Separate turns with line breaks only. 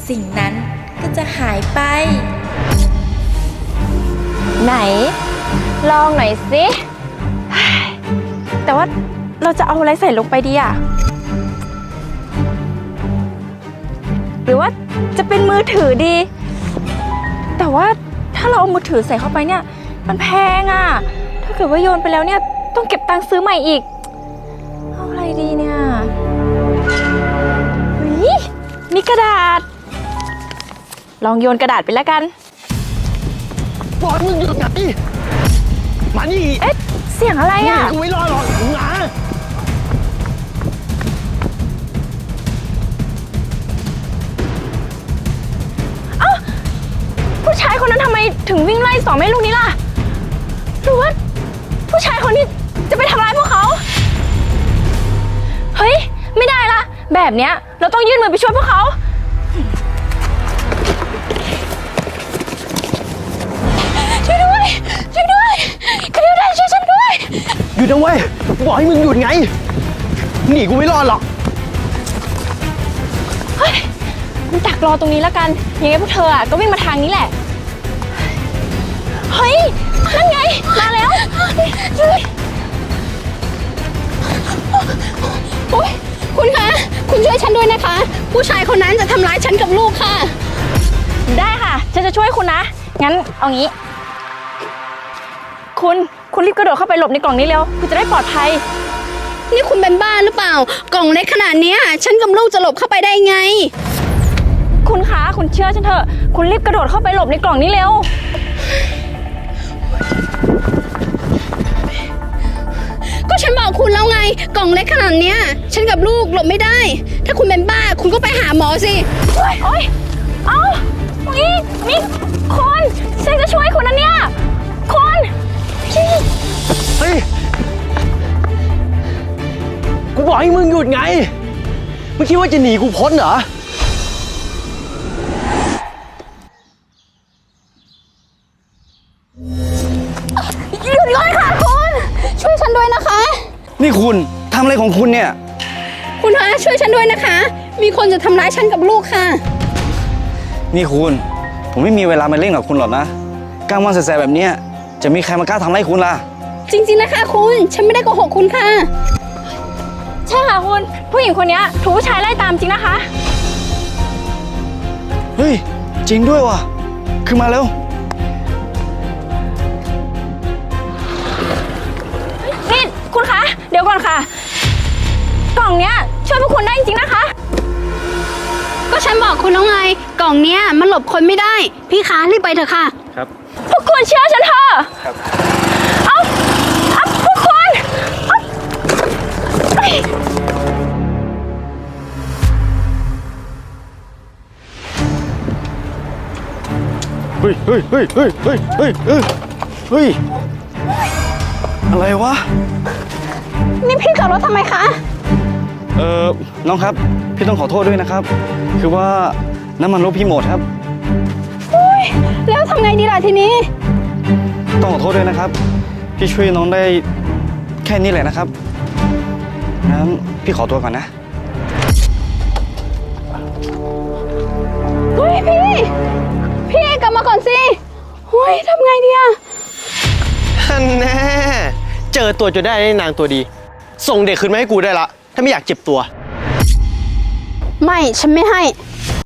สิ่งนั้นก็จะหายไป
ไหน ลองหน่อยสิแต่ว่าเราจะเอาอะไรใส่ลงไปดีอะหรือว่าจะเป็นมือถือดี แต่ว่าถ้าเราเอามือถือใส่เข้าไปเนี่ยมันแพงอะถ้าเกิดว่าโยนไปแล้วเนี่ยต้องเก็บตังค์ซื้อใหม่อีกเอาอะไรดีเนี่ยมีกระดาษลองโยนกระดาษไปแล้วกัน
บอกมึงหยุดไงมานี่
เอ๊ะเสียงอะไรอ่ะ
กูไม่รอดหรอกมึงมา
ผู้ชายคนนั้นทำไมถึงวิ่งไล่สองแม่ลูกนี้ล่ะหรือว่าผู้ชายคนนี้จะไปทำร้ายพวกเขาเฮ้ยไม่ได้ละแบบเนี้ยเราต้องยื่นมือไปช่วยพวกเขาช่วยด้วยช่วยด้วยกระเดียวได้ช่วยฉันด้วย
หยุดนะเว้ยบอกให้มึงหยุดไงหนีกูไม่รอดหรอก
เฮ้ยมันดักรอตรงนี้แล้วกันยังไงพวกเธออ่ะก็วิ่งมาทางนี้แหละเฮ้ยนั่นไงมาแล้วช่วย
โอ๊ยคุณคะคุณช่วยฉันด้วยนะคะผู้ชายคนนั้นจะทำร้ายฉันกับลูกค่ะ
ได้ค่ะฉันจะช่วยคุณนะงั้นเอางี้คุณรีบกระโดดเข้าไปหลบในกล่องนี้เร็วคุณจะได้ปลอดภัย
นี่คุณเป็นบ้าหรือเปล่ากล่องเล็กขนาดนี้ฉันกับลูกจะหลบเข้าไปได้ไง
คุณคะคุณเชื่อฉันเถอะคุณรีบกระโดดเข้าไปหลบในกล่องนี้เร็ว
ก็ฉันบอกคุณแล้วไงกล่องเล็กขนาดนี้ฉันกับลูกหลบไม่ได้ถ้าคุณเป็นบ้าคุณก็ไปหาหมอสิ
โอ๊ยเอานี่คุณฉันจะช่วยคุณนะเนี่ยคุณ
เฮ้ยกูบอกให้มึงหยุดไงมึงคิดว่าจะหนีกูพ้นเหรอ
หยุดก่อนค่ะคุณช่วยฉันด้วยนะคะ
นี่คุณทำอะไรของคุณเนี่ย
คุณคะช่วยฉันด้วยนะคะมีคนจะทำร้ายฉันกับลูกค่ะ
นี่คุณผมไม่มีเวลามาเล่นกับคุณหรอกนะกลางวันแสบๆแบบนี้จะมีใครมากล้าทำร้ายคุณล่ะ
จริงๆนะคะคุณฉันไม่ได้โกหกคุณค่ะ
ใช่ค่ะคุณผู้หญิงคนนี้ถูกผู้ชายไล่ตามจริงนะคะ
เฮ้ยจริงด้วยว่ะขึ้นมาเร็ว
นี่คุณคะเดี๋ยวก่อนค่ะกล่องเนี้ยช่วยพวกคุณได้จริงๆนะคะ
ก็ฉันบอกคุณแล้วไงกล่องเนี้ยมันหลบคนไม่ได้พี่คะรีบไปเถอะค่ะ
ครับ
พวกคุณเชื่อฉันเถอะ
ครับ
เอาพวกคุณ
เฮ้ยอะไรวะ
นี่พี่จอดรถทำไมคะ
น้องครับพี่ต้องขอโทษด้วยนะครับคือว่าน้ำมันรถพี่หมดครับ
แล้วทำไงดีล่ะทีนี้
ต้องขอโทษด้วยนะครับพี่ช่วยน้องได้แค่นี้แหละนะครับงั้นพี่ขอตัวก่อนนะ
เฮ้ยพี่กลับมาก่อนสิเฮ้ยทำไงดีอะ
แน่เจอตัวจนได้นางตัวดีส่งเด็กคืนมาให้กูได้ละถ้าไม่อยากเจ็บตัว
ไม่ฉันไม่ให้